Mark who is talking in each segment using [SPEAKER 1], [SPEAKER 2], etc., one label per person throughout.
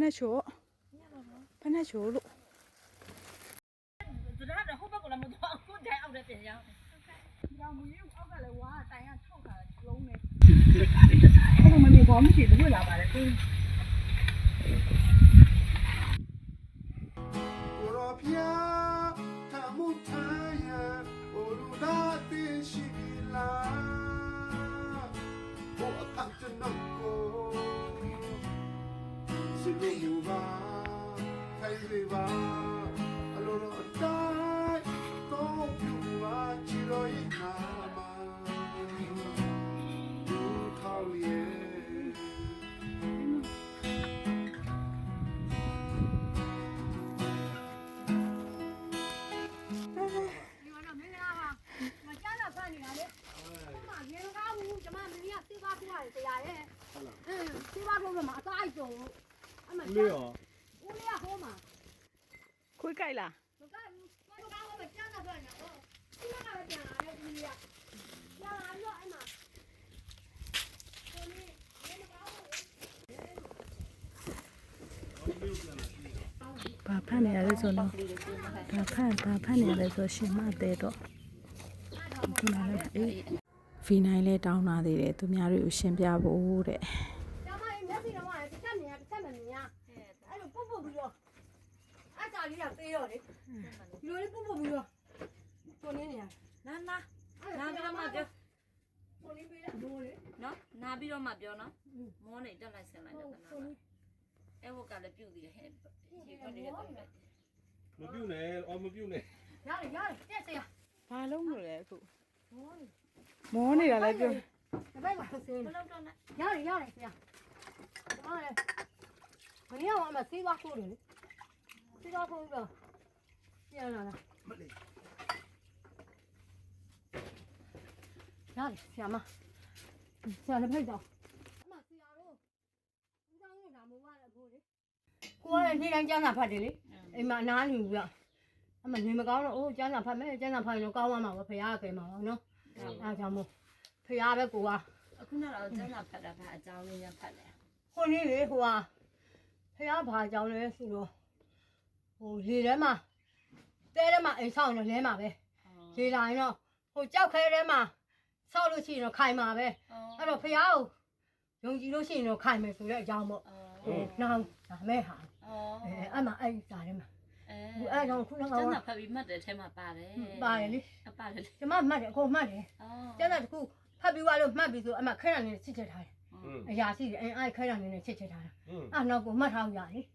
[SPEAKER 1] နဲ့ချို့ဖနဲ့ချို့လို့
[SPEAKER 2] သူတို့ကတော့ဟိုဘက်ကလည်းမတော့အခုတိုင်အောက်တဲ့ပြင်ရောက်တယ်။ကြောင်မူကြီးအောက်ကလည်းဝါတိုင်ကထောက်ထားတယ်လုံးနေ။အဲ့လိုမမြင်ဘောမရှိဘူးလာပါလေ။ကို
[SPEAKER 3] ရောပြာထမှုထိုင်ရအိုလူလာတေရှိလာဘိုအဖတ်တနကိုစီလိုပါခိုင်လေးပါအလိုလိုအတိုင်းတော့ပြူပါချီရောရနာမလူထောက်ရဲ့
[SPEAKER 4] လေးရော
[SPEAKER 1] ခွေးကြိုက်လားဘာဖတ်နေရလဲဆိုတော့ဘာဖတ်နေရလဲဆိုရှင်မတဲ့တော့ခုနကအေးဗီနိုင်လဲတောင်းလာသေးတယ်သူများတွေကိုရှင်းပြဖို့တဲ့
[SPEAKER 2] လေးကသေးတော့လေဒီလိုလေးပုတ်ပုတ်ပြီးတော့ကိုနေနေရနာပြီးတော့မှပြောကိုလေးပေးလိုက်လို့လေနော်နာပြီးတော့မှပြောနော်မောနေတက်လိုက်ဆင်းလိုက်တော့နာအဲ့ဘက်ကလည်းပြုတ်သေးတယ်ဟဲ့ဒီခွန်းလေးတော့လိုက်
[SPEAKER 4] မပြုတ်နဲ့အော်မပြုတ်နဲ့
[SPEAKER 2] ရတယ်တက်စရာ
[SPEAKER 1] ဘာလုံးလို့လဲအခုမောနေတာလည်းပြော
[SPEAKER 2] တပိုက်ပါဆင်းမလုပ်တော့နဲ့ရတယ်ဆရာဟုတ်တယ်မင်းရောအမသေးပါခိုးတယ်လေဒီတော့ကိုတော့ပြန်လာလားမလေးရတယ်ဆရာမဆရာလည်းဖိတ်တော့အမဆရာတို့ဦးဆောင်နေတာမို့ပါလေကိုလေကိုကလည်းနေ့တိုင်းကျန်းစာဖတ်တယ်လေအိမ်မှာအနားနေဘူးကအမနေမကောင်းတော့အိုးကျန်းစာဖတ်မယ်ကျန်းစာဖတ်ရင်တော့ကောင်းသွားမှာပဲဖရာကဲမှာပါနော်အားကြောင့်မို့ဖရာပဲကိုကအခုနောက်တော့ကျန်းစာဖတ်တာကအကြောင်းလေးရဖတ်တယ်ခုနေ့လေဟိုကဖရာဘာအကြောင်းလဲဆိုတော့ဟိုလေထဲမှာတဲထဲမှာအိမ်ဆောက်နေလဲမှာပဲလေလာရင်တော့ဟိုကြောက်ခဲထဲမှာဆောက်လို့ရှိရင်တော့ခိုင်မှာပဲအဲ့တော့ဖះကိုယုံကြည်လို့ရှိရင်တော့ခိုင်မယ်ဆိုတဲ့အကြောင်းပေါ့ဟိုနောင်ဒါမဲ့ဟာအဲ့မှာအဲ့စာထဲမှာအဲ့တော့ခုနကကျန်တာဖတ်ပြီးမှတ်တယ်ထဲမှာပါတယ်လေပါတယ်လေကျမမှတ်တယ်အကုန်မှတ်တယ်ကျန်တာတခုဖတ်ပြီးသွားလို့မှတ်ပြီးဆိုအမခဲရံနေချစ်ချစ်ထားတယ်အရာရှိတယ်အဲ့ခဲရံနေချစ်ချစ်ထားတာအဲ့နောက်ကိုမှတ်ထားရလေ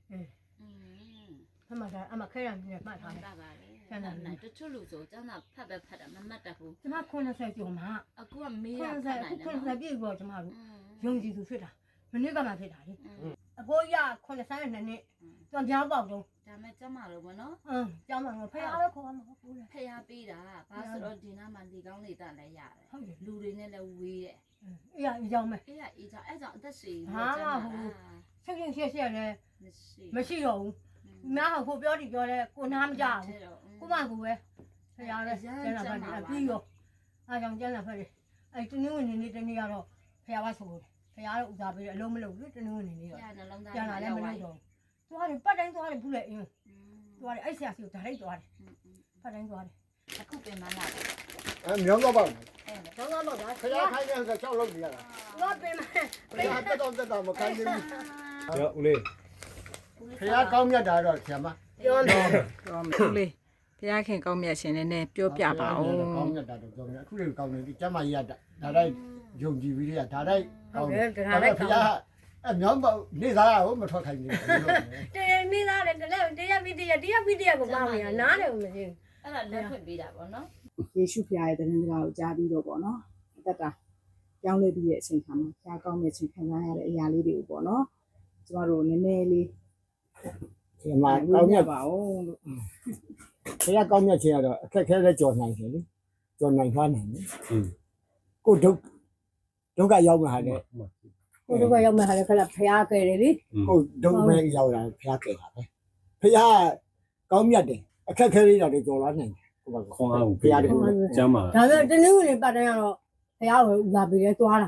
[SPEAKER 2] အမခဲရံနေမှတ်ထားတယ်ကျန်တာတချို့လူဆိုကျန်တာဖတ်ပဲဖတ်တာမမှတ်တတ်ဘူးကျမ90ကျော်မှာအခုကမေးရဖတ်နိုင်တယ်90ပြည့်တော့ကျမတို့ယုံကြည်သူဖြစ်တာမနစ်ကမှဖြစ်တာလေအဖိုးရ92နှစ်ပြန်ပြောင်းပေါက်တော့ဒါမဲ့ကျမလို့မနော်ကျောင်းမှာဖះပဲခေါ်မှာဟုတ်လေဖះပေးတာဘာဆိုတော့ဒီနားမှာဒီကောင်းလေးတက်လည်းရတယ်ဟုတ်တယ်လူတွေနဲ့လည်းဝေးတယ်အေးရအကြောင်းပဲအေးရအကြောင်းအဲ့ကြောင့်အသက်ရှင်ဟာဟိုချက်ရှက်လည်းမရှိတော့ဘူးနားဟိုပြောတယ်ပြောလဲကိုနားမကြဘူးကိုမကူပဲဖះပဲကျန်းလာဖတ်တယ်ပြီးရောအားကြောင့်ကျန်းလာဖတ်တယ်အဲ့တနင်္ဂနွေနေ့တနေ့ကတော့ဖះပါဆိုတယ်ဖះတော့ဥစားပေးတယ်အလုံးမလုပ်ဘူးတနင်္ဂနွေနေ့တော့ကျန်းလာလည်းမလုပ်တော့သွားတယ်ပတ်တိုင်းသွားတယ်ဘူးလေအင်းသွားတယ်အဲ့ဆရာစီကိုဒါလိုက်သွားတယ်ပတ်တိုင်းသွားတယ်အခုပြင်မလာတယ်
[SPEAKER 3] မြောင်းတော့ပါ
[SPEAKER 2] ကျောင်းသားတော့ဒါ
[SPEAKER 3] ခရခိုင်းနေတော့ကြောက်လို့နေရတာ
[SPEAKER 2] တော့ပြင်မ
[SPEAKER 3] တက်တော့မခိုင်းနေဘူး
[SPEAKER 4] ကျော်ဦးလေး
[SPEAKER 3] ခရကောင်းမြတ်တာတော့ဆရာမ
[SPEAKER 2] ပြောမယ်
[SPEAKER 1] ဦးလေးဘုရားခင်ကောင်းမြတ်ရှင်နဲ့ပြောပြပါဦး
[SPEAKER 3] ကောင်းမြတ်တာတော့ပြောမယ်အခုလေးကောင်းနေဒီကျမကြီးကဒါတိုင်းယုံကြည်ပြီးရဒါတိုင်း
[SPEAKER 2] ကောင်းတယ်ဒါတိုင်း
[SPEAKER 3] ဖះအမြောင်းပေါ့နေသားကိုမထွက်ခိုင်းနေဘူး
[SPEAKER 2] တေနေသားလေတရားပြီးတရားကိုပါမယ်နားတယ်မရှိဘူးအဲ့ဒါလက်ဖွင့်ပေးတာပေါ့နော်
[SPEAKER 5] ယေရှုဖခင်ရဲ့တရင်စကားကိုကြားပြီးတော့ပေါ့နော်အသက်တာပြောင်းလဲပြီးရဲ့အချိန်ခါမှာဖခင်ကောင်းတဲ့အချိန်ခံစားရတဲ့အရာလေးတွေကိုပေါ့နော်ကျမတို့နည်းနည်းလေး
[SPEAKER 3] ဒီမှာကောင်းမြတ်
[SPEAKER 5] ပါအောင်လို့
[SPEAKER 3] ဖះကောင်းမြတ်ခြင်းကတော့အခက်ခဲလဲကြော်နိုင်တယ်လေကြော်နိုင်သွားနိုင်တယ်ကိုဒုက္ခရောက်မှာလေ
[SPEAKER 2] ကိုဒုက္ခရောက်မှာလေခက်ဖះခဲ့တယ်လေ
[SPEAKER 3] ကိုဒုက္ခပဲရောက်တာဖះခဲ့တာပဲဖះကောင်းမြတ်တယ်အခက်ခဲလေးတော့ကြော်လာနိုင်တယ်
[SPEAKER 4] ခွန်အောင်ဖះတကူကျမ်းပါ
[SPEAKER 2] ဒါပေမဲ့တနည်းဝင်ပတ်တိုင်းကတော့ဖះကိုလာပြီးလဲသွားတာပဲ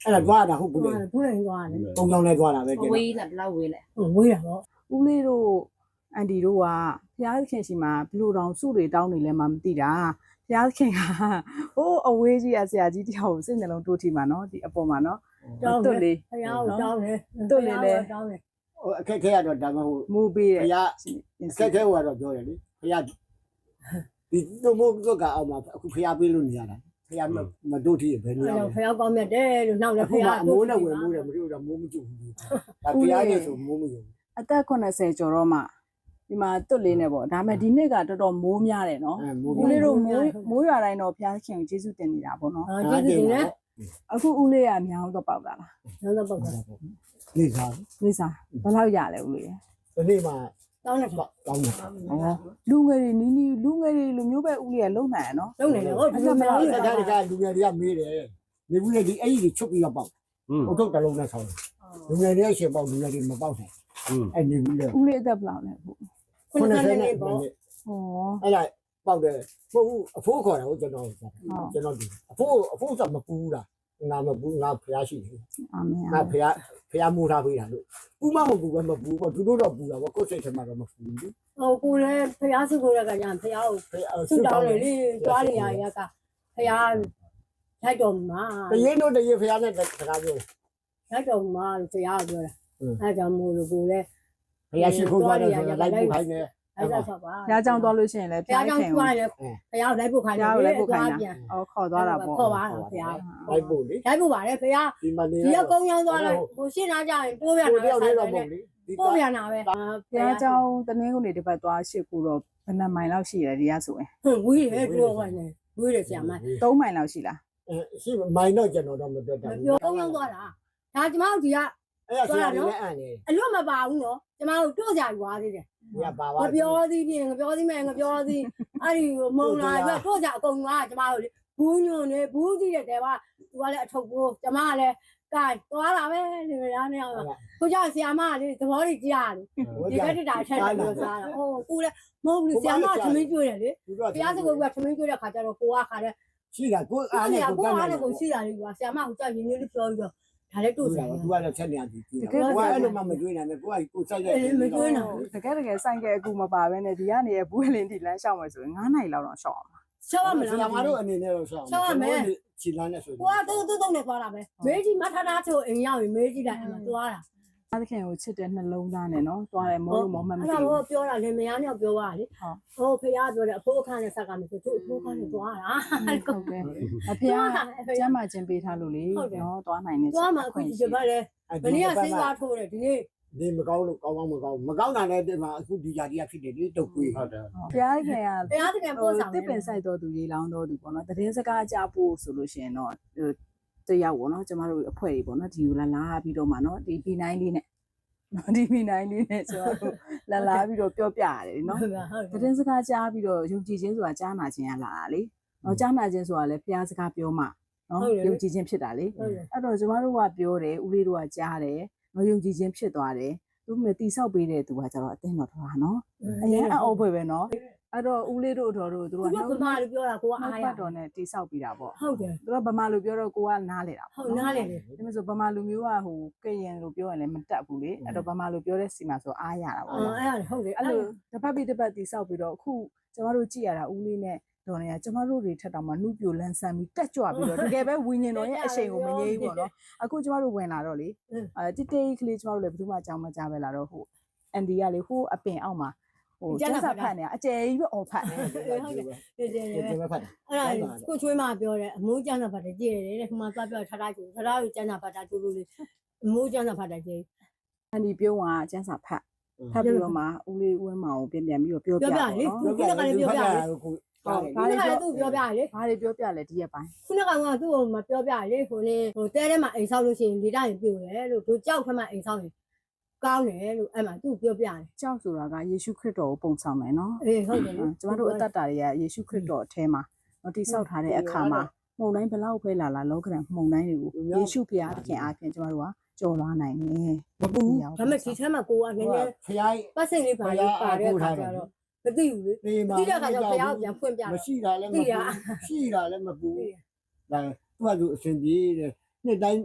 [SPEAKER 6] အဲ့ဒါသွားတာဟုတ်ဘူးလေ
[SPEAKER 2] ဘူးလည်းသွားတယ်
[SPEAKER 6] ပုံကြောင်လဲသွားတာပဲကျ
[SPEAKER 1] ဝေးလားဘယ်လောက်ဝေးလဲ
[SPEAKER 2] ဝေးတာပေါ့
[SPEAKER 5] ဦးလေးတို့အန်တီတို့ကဖျားခင်ရှိမှာဘလို့တောင်စုတွေတောင်းနေလဲမှမသိတာဖျားခင်ကဟိုးအဝေးကြီးအဆရာကြီးတယောက်ကိုစိတ်နှလုံးတိုးထိမှာနော်ဒီအပေါ်မှာနော်
[SPEAKER 2] တောင်း
[SPEAKER 5] တွတ်လေး
[SPEAKER 2] ဖယားကိုတောင်းတယ်
[SPEAKER 5] တွတ်လေးလဲ
[SPEAKER 2] တောင်းတယ်
[SPEAKER 6] ဟိုအခက်ခဲရတော့ဒါမှမဟုတ်
[SPEAKER 5] မူပေး
[SPEAKER 6] ဘု
[SPEAKER 5] တယ်
[SPEAKER 6] ရားအခက်ခဲဟိုကတော့ပြောတယ်လေဘုရားဒီတို့မို့တို့ကအောင်မှာအခုဘုရားပေးလို့နေရတာဘုရားမတို့ထိဘယ်နေရ
[SPEAKER 2] အဲ့
[SPEAKER 6] လဲ
[SPEAKER 2] တော့ဖယားကောင်းမြတ်တယ်လို့နောက်လည်းဖ
[SPEAKER 6] အခုမှ
[SPEAKER 2] ယား
[SPEAKER 6] အမိုးနဲ့ဝင်မိုးတယ်မတို့တော့မိုးမကျဘူးဒါဘုရားနဲ့ဆိုမိုးမကျဘူး
[SPEAKER 5] အသက်80ကျော်တော့မှဒီမှာတွတ်လေးနဲ့ပေါ့ဒါပေမဲ့ဒီနှစ်ကတော်တော်မိုးများတယ်နော်
[SPEAKER 6] အဲမိုး
[SPEAKER 5] ဦးလေးတို့မိုးရွာတိုင်းတော့ဖျားခင်ကိုကျေးဇူးတင်နေတာပေါ့နော်
[SPEAKER 2] ကျေးဇူးတင်တယ်
[SPEAKER 5] အခုဦးလေးကမြောင်းတော့ပေါက်တာလား
[SPEAKER 2] နောက်တော့ပုတ်တာ
[SPEAKER 6] နေစား
[SPEAKER 5] လိစားဘယ်လောက်ရလဲဦးလေး
[SPEAKER 6] ဒီနေ့မှ
[SPEAKER 2] တောင်းတယ်
[SPEAKER 6] ကောင်းတယ်
[SPEAKER 5] ဩလူငယ်တွေနီးနီးလူငယ်တွေလူမျိုးပဲဦးလေးကလုံနိုင်ရနော်
[SPEAKER 2] လုံးနေတယ်ဟုတ်ဒီလိုမလား
[SPEAKER 6] တခါတခါလူငယ်တွေကမေးတယ်နေဘူးလေဒီအဲ့ဒီချုပ်ပြီးတော့ပေါက်ဟုတ်ထုတ်တလုံးနဲ့ဆောင်းလူငယ်တွေရှင်ပေါက်လူငယ်တွေမပေါက်နိုင်အဲ့နေဘူးလေ
[SPEAKER 5] ဦးလေးအသက်ဘယ်လောက်လဲဟုတ်
[SPEAKER 2] 90နဲ့ပေါ့
[SPEAKER 5] ဩ
[SPEAKER 6] အဲ့ဒါပေါက်တယ်မဟုတ်ဘူးအဖိုးခေါ်တာဟုတ်ကျွန်တော်ဒီအဖိုးဆိုမပူးလားငါမပူးငါဖျားရှိတယ်
[SPEAKER 5] အာမင်
[SPEAKER 6] ငါဖျားမိုးထားပေးတာလို့ပူမမပူပဲမပူပေါ့သူတို့တော့ပူတာပေါ့ကိုယ်စိတ်ထဲမှာတော့မပူဘူး
[SPEAKER 2] ဟိုကိုလည်းဖယားစုကိုရကကြဖယားကိုဆုတောင်းတယ်လေတွားနေရရကဖယားလိုက်တော်မှာ
[SPEAKER 6] တရင်တို့တရင်ဖျားနဲ့စကားပြော
[SPEAKER 2] လိုက်တော်မှာဖယားပြောတာအဲကြောင့်မို့လို့ကိုလည်း
[SPEAKER 6] ဖျားရှိခိုးသွားတယ်ဆိုတော့လိုက်ပူခိုင်းတယ်
[SPEAKER 2] အဲ့ဒါဆိုပါ
[SPEAKER 5] ဖျားကြောင်သွားလို့ရှိရင်လည်း
[SPEAKER 2] ဖယားကြောင့်တွားတယ်ဖယားလိုက်ဖို့ခိုင်းတယ်
[SPEAKER 5] ဖျားကိုလည်းပုတ်ခိုင်းတာ
[SPEAKER 2] ပြန်
[SPEAKER 5] ဩခေါ်သွားတာပေါ့
[SPEAKER 2] ခေါ်ပါတော့ဖယား
[SPEAKER 6] လိုက်ပူလေ
[SPEAKER 2] လိုက်ဖို့ပါတယ်ဖယား
[SPEAKER 6] ဒီမနေ
[SPEAKER 2] ဒီကကုန်းချောင်းသွားလိုက်ကိုရှင်းလာကြရင်တိုးပြန်
[SPEAKER 6] ကိုတ
[SPEAKER 2] လာ
[SPEAKER 6] ယောက်
[SPEAKER 2] ဆို
[SPEAKER 6] လေး
[SPEAKER 2] တော့
[SPEAKER 6] တော့မဟုတ်လေဒီ
[SPEAKER 2] ပို့ပြန်လာပဲ
[SPEAKER 5] ဖျားကြောင်တနင်္ဂနွေတစ်ပတ်သွားရှစ်ခုတော့ဘယ်နှမိုင်လောက်ရှိလဲဒီကဆိုရင်
[SPEAKER 2] ဟုတ်ဝီးတယ်တိုးဝင်နေဝီးတယ်ဆရာမ
[SPEAKER 5] 3မိုင်လောက်ရှိလား
[SPEAKER 6] ရှိမိုင်းတော့ကျွန်တော်တော့မတွေ့တာ
[SPEAKER 2] ပြောကုန်းချောင်းသွားတာဒါကျမတို့ဒီက
[SPEAKER 6] အဲ့ဒါဆရာကြီးလည်းအံ့နေ
[SPEAKER 2] အလွတ်မပါဘူးနော်ကျမတို့တို့ကြရွာသေးတယ်
[SPEAKER 6] ဒီကပါ
[SPEAKER 2] င
[SPEAKER 6] ပါ
[SPEAKER 2] ပြောသည်ဖြင့်ငပြောသည်မဲ့ငပြောသည်အဲ့ဒီမုံလာပြတို့ကြအကုန်ကကျမတို့လေဘူးညွန့်နေဘူးကြည့်တဲ့တဲကသူကလည်းအထုပ်ကိုကျမကလည်းကဲသွားတာပဲဒီမလားနဲ့အောင်ကိုကြောင့်ဆရာမကလေသဘောကြီးကြားတယ်ဒီကတက်တာထက်တယ်ပြောစားတာဟိုကိုလည်းမဟုတ်ဘူးဆရာမကသမင်းကျွေးတယ်လေဘုရားစကုတ်ကသမင်းကျွေးတဲ့ခါကျတော့ကိုကခါတဲ့
[SPEAKER 6] ရှိတာကို
[SPEAKER 2] အား
[SPEAKER 6] အား
[SPEAKER 2] နဲ့
[SPEAKER 6] နဲ့
[SPEAKER 2] ကို
[SPEAKER 6] ကို
[SPEAKER 2] အား
[SPEAKER 6] တ
[SPEAKER 2] နဲ့
[SPEAKER 6] န်း
[SPEAKER 2] ကို
[SPEAKER 6] နေ
[SPEAKER 2] ရှိတာလေးကဆရာမကကြောက်ရင်းလေးပြောပြီးတော့ဒါလည်းတို့ဆိုင်
[SPEAKER 6] သူကလည်းချက်နေရသည်ကိုကအဲ့လိုမှမတွေ့နိုင်ဘူးကိုကကိုစိုက်ရဲ့
[SPEAKER 2] မကျွေးနော်
[SPEAKER 5] တကယ်ဆိုင်ကယ်အခုမပါဘဲနဲ့ဒီကနေဘူးလင်းထိလမ်းလျှောက်မယ်ဆိုရင်9နိုင်လောက်တော့ရှောက်အောင်
[SPEAKER 2] ရှောက်ရမ
[SPEAKER 6] ဆရာ
[SPEAKER 2] လား
[SPEAKER 6] မတို့အနေနဲ့တော့ရှောင်းခြေလန်းနဲ့ဆို
[SPEAKER 2] ကိုကတော့နဲ့သွားတာပဲမေးကြီးမထထားချိုအိမ်ရောက်ရင်မေးကြီးလိုက်အမှသွားတာ
[SPEAKER 5] အားသခင်ကိုချစ်တဲ့နှလုံးသားနဲ့နော်သွားတယ်မောလို့မောမှမ
[SPEAKER 2] အဲ့
[SPEAKER 5] သိ
[SPEAKER 2] ဒါ
[SPEAKER 5] ဘူး
[SPEAKER 2] တော့ပြောတာလေမယားနဲ့ပြောတာလေဟိုဖေရားပြောတယ်အဖိုးအခန်းနဲ့ဆက်ကမယ်ဆိုသူ့အဖိုးအခန်းနဲ့သွားတာ
[SPEAKER 5] ဟုတ်တယ်အဖေကကျမ်းမာခြင်းပေးထားလို့လေနော်သွားနိုင်နေ
[SPEAKER 2] သွားမှအခုဒီဘက်လေမနေ့ကစိတ်သွားထိုးတယ်ဒီနေ့
[SPEAKER 6] ဒီမကောင်းလို့ကောင်းမကောင်းမကောင်းတာလည်းဒီမှာအခုဒီကြာကြီးဖြစ်တယ်ဒီတုတ်ကွေး
[SPEAKER 4] ဟုတ်တယ်
[SPEAKER 5] ဘုရားခင်က
[SPEAKER 2] ဖေရားတကယ်ပို့ဆောင်
[SPEAKER 5] တစ်ပင်ဆိုင်တော်သူရေလောင်းတော်သူပေါ့နော်တည်စကားကြဖို့ဆိုလို့ရှိရင်တော့တယောက်ပေါ့နော်ကျမတို့အဖွဲ့တွေပေါ့နော်ဒီကိုလာပြီးတော့မှနော်ဒီ P9 လေးနဲ့နော်ဒီ P9 လေးနဲ့ဆိုတော့လာပြီးတော့ပြောပြရတယ်နော်
[SPEAKER 2] ဟုတ်ပါဟုတ်
[SPEAKER 5] တည်စကားကြားပြီးတော့ယုံကြည်ခြင်းဆိုတာကြားနာခြင်းရလာတာလေနော်ကြားနာခြင်းဆိုတာလည်းဘုရားစကားပြောမှနော်ယုံကြည်ခြင်းဖြစ်တာလေ
[SPEAKER 2] ဟုတ်တယ်
[SPEAKER 5] အဲ့တော့ကျမတို့ကပြောတယ်ဦးလေးတို့ကကြားတယ်နော်ယုံကြည်ခြင်းဖြစ်သွားတယ်သူမြတိဆောက်ပေးတဲ့သူကကျတော့အသိတော်တော်နော်အရင်အော်ဖွယ်ပဲနော်အဲ့တော့ဦးလေးတို့တော်တို့သူ
[SPEAKER 2] သူ
[SPEAKER 5] က
[SPEAKER 2] ကဗမာလိုပြောတာကိုက
[SPEAKER 5] အား
[SPEAKER 2] အား
[SPEAKER 5] ရ
[SPEAKER 2] ရ
[SPEAKER 5] တော်နဲ့တိဆောက်ပြီးတာပေါ့
[SPEAKER 2] ဟုတ်တယ်
[SPEAKER 5] သူကဗမာလိုပြောတော့ကိုကနားလေတာ
[SPEAKER 2] ဟုတ်နားလေလေ
[SPEAKER 5] ဒါပေမဲ့ဆိုဗမာလူမျိုးကဟိုကရင်လိုပြောရင်လည်းမတက်ဘူးလေအဲ့တော့ဗမာလိုပြောတဲ့စီမှာဆိုအားရတာပေါ့
[SPEAKER 2] အဲ့ဒါဟုတ်တယ်
[SPEAKER 5] အဲ့
[SPEAKER 2] အဲ့
[SPEAKER 5] လို
[SPEAKER 2] လို
[SPEAKER 5] တစ်ပတ်ပြီးတစ်ပတ်တိဆောက်ပြီးတော့အခုကျမတို့ကြည့်ရတာဦးလေးနဲ့တော်နေကကျမတို့တွေထက်တောင်မှနှုတ်ပြိုလန်းဆန်းပြီးတက်ကြွပြီးတော့တကယ်ပဲဝิญဉ်တော်ရဲ့အရှိန်ကိုမငြိမ်းဘူးပေါ့နော်အခုကျမတို့ဝင်လာတော့လေတိတိကလေးကျမတို့လည်းဘယ်သူမှအကြောင်းမကြားပဲလာတော့ဟိုအန်ဒီကလေဟိုအပင်အောက်မှာဟိုကျန်းစာဖတ်နေအကျယ်ကြီးပဲအော်ဖတ်နေ
[SPEAKER 2] ဟုတ်တယ်ဟုတ်တယ်
[SPEAKER 6] ဒီမှာဖတ်
[SPEAKER 2] အဲ့ဒါကိုချွေးမပြောတယ်အမိုးကျန်းစာဖတ်တယ်ကြည့်ရတယ်တဲ့ခမသွားပြောထားကျူထားကိုကျန်းစာဖတ်တာတူတူလေးအမိုးကျန်းစာဖတ်တယ်ကြည့်
[SPEAKER 5] အန်ဒီပြုံးကကျန်းစာဖတ်ပြီးတော့မှဦးလေးဦးဝင်းမောင်ကိုပြန်ပြီးတော့ပြောပြပါနော်
[SPEAKER 6] ခုနကလည်းပြောပြတယ်
[SPEAKER 2] ခုနကလည်းသူ့ပြောပြရလေ
[SPEAKER 5] ဘာတွေပြောပြလဲဒီရက်ပိုင်း
[SPEAKER 2] ခုနကသူ့ကိုမပြောပြရလေဟိုလေဟိုတဲထဲမှာအိမ်ဆောက်လို့ရှိရင်လေတိုင်းပြိုတယ်လို့သူကြောက်ခမအိမ်ဆောက်ရင်ကောင်းတယ်လို့အဲ့မှာသူ့ပြောပြတယ်
[SPEAKER 5] ကြောက်ဆိုတာကယေရှုခရစ်တော်ကိုပုံဆောင်တယ်နော်
[SPEAKER 2] အေးဟုတ်တယ်နော်
[SPEAKER 5] ကျမတို့အသက်တာတွေကယေရှုခရစ်တော်အထဲမှာတော့တိဆောက်ထားတဲ့အခါမှာမှုန်တိုင်းဘလောက်ပဲလာလောကရန်မှုန်တိုင်းတွေကိုယေရှုဖခင်သခင်အားဖြင့်ကျမတို့ကကြော်လွှားနိုင်တယ်
[SPEAKER 6] မပူ
[SPEAKER 2] ဒါပေမဲ့ဒီထဲမှာကိုကနည်းနည်း
[SPEAKER 6] ဖျား
[SPEAKER 2] ပတ်စင်လေးပါလေးပါတဲ့အခါကျတော့မသိဘူးလေ
[SPEAKER 6] ဒီမှာ
[SPEAKER 2] တိတဲ့အခါကျတော့ဘုရားပြန်ဖွင့်ပြ
[SPEAKER 6] မ
[SPEAKER 2] တော့
[SPEAKER 6] ရှိတာလည်းမပူရှိတာလည်းမပူဒါသူကသူအစဉ်ပြေးတယ်နှစ်တိုင်း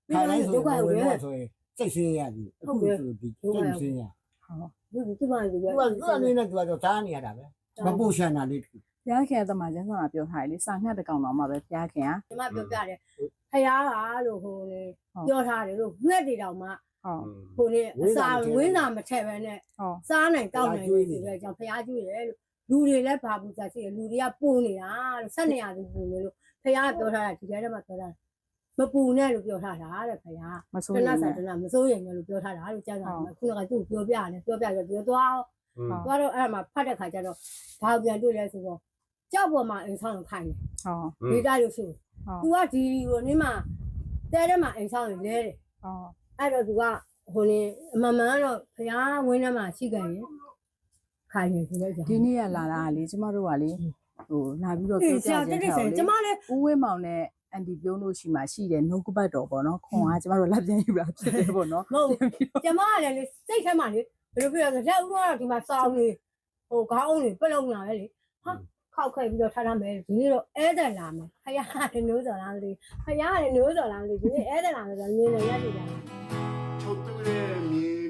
[SPEAKER 6] ခါတိုင်းဆိုဝင်တော့ဆိုရင်စိတ်ဆင်းရပြီအခုဆိုဒီစိတ်ဆင်းရ
[SPEAKER 2] သူ့ဘာလို့
[SPEAKER 6] သူကအနေနဲ့သူကတော့သားနေရတာပဲမပူရှန်တာလေး
[SPEAKER 5] ဘုရားခင်အသမားကျမ်းစာမှာပြောထားတယ်လေစာငှက်တစ်ကောင်တော့မှပဲဘုရားခင်က
[SPEAKER 2] ဒီမှာပြောပြတယ်ဖယားကလို့ဟိုလေပြောထားတယ်လို့ငှက်တွေတောင်မှ
[SPEAKER 5] ဟုတ်
[SPEAKER 2] ဟိုလေအစာဝင်းစာမထည့်ပဲနဲ့
[SPEAKER 5] ဟုတ်
[SPEAKER 2] စားနိုင်တောက်နိုင်လို့ဆိုတဲ့အကြောင်းဖယားကျွေးတယ်လို့လူတွေလည်းဘာဘူးစားရှိတယ်လူတွေကပူနေတာလို့ဆက်နေရသူပူနေလို့ဖယားကပြောထားတာဒီထဲထဲမှာပြောတာမပူနဲ့လို့ပြောထားတာတဲ့ဖယား
[SPEAKER 5] မဆိုး
[SPEAKER 2] တ
[SPEAKER 5] ရ
[SPEAKER 2] နတ်
[SPEAKER 5] င်
[SPEAKER 2] ဆိုင်တနတ်မစိုးရင်လည်းလို့ပြောထားတာလို့ကြားတာခုနကသူ့ပြောပြတယ်ပြောပြတော့ပြောသွားတော့အဲ့မှာဖတ်တဲ့ခါကျတော့ဘာပြန်တွေ့လဲဆိုတော့ကြောက်ပေါ်မှာအိမ်ဆောင်ခိုင်းတယ်
[SPEAKER 5] ဟုတ်
[SPEAKER 2] ဒေတာလို့ဆို तू ကဒီကိုနင်းမှာတဲထဲမှာအိမ်ဆောင်လဲတယ်
[SPEAKER 5] ဟုတ်
[SPEAKER 2] အဲ့တော့ तू ကဟိုနေအမှန်မှန်တော့ဘုရားဝင်းထဲမှာရှိခဲ့ရင်ခိုင်းနေဆိုတော့
[SPEAKER 5] ဒီနေ့ကလာတာကလေကျမတို့ကလေဟိုလာပြီးတော့ပြောပြ
[SPEAKER 2] ဆရာ
[SPEAKER 5] ခြင်း
[SPEAKER 2] တက်
[SPEAKER 5] ထား
[SPEAKER 2] တယ်
[SPEAKER 5] လေ
[SPEAKER 2] ကျမလည်း
[SPEAKER 5] ဦးဝင်းမောင်နဲ့အန်တီပြုံးတို့ရှိမှရှိတယ်နှုတ်ကပတ်တော်ပေါ့နော်ခွန်ကကျမတို့လက်ပြန်ယူတာဖြစ်တယ်ပေါ့နော်
[SPEAKER 2] မဟုတ်ကျမကလည်းလေစိတ်ထဲမှာလေဘယ်လိုပြောလဲလက်ဦးတော့ဒီမှာစောင်းနေဟိုခေါင်းအောင်နေပလုံလာပဲလေဟာခောက်ခဲ့ပြီးတော့ထားထားမယ်ဒီနေ့တော့ဧည့်သည်လာမယ်ဖယားလည်းနိုးစော်လာမသိဖယားလည်းနိုးစော်လာမသိဒီနေ့ဧည့်သည်လာမယ်ဆိုတော့မြင်နေရတယ်ကြာ
[SPEAKER 3] ထုတ်သူရဲ့မြေ